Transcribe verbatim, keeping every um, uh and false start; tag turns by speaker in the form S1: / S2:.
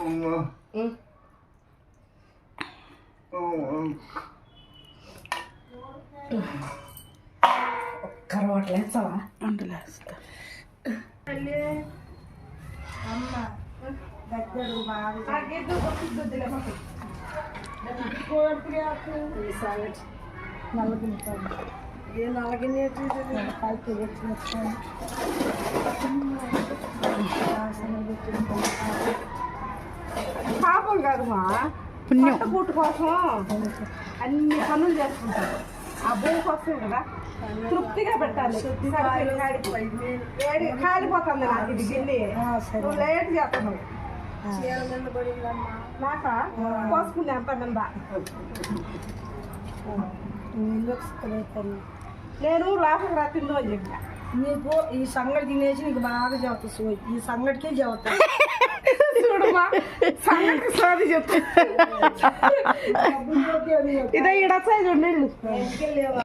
S1: ఒక్కరు వంటలేస్తావా?
S2: వంటలేస్తా.
S1: అమ్మ దగ్గర బాగా నల్లగిన ఏ నల్లగిన పైకి వచ్చిన పాపం కాదమ్మా, పుణ్యం పూట కోసం అన్ని పనులు చేసుకుంటారు. ఆ భూమి కోసం కదా తృప్తిగా పెట్టాలి. కాలిపోతుంది నాకు ఇది గిన్నె, నువ్వు లేట్ చేస్తున్నావు. నాక పోసుకుంది అంత మీద నేను లోపలికి రా తిందో అని చెప్పా. నీకు ఈ సంగటి తినేసి నీకు బాగా చెబుతా సోయి, ఈ సంగటికే చెబుతా. చూడమ్మా సంగటికి సోది చెప్తా. ఇదే ఇడొచ్చాయి చూడండి.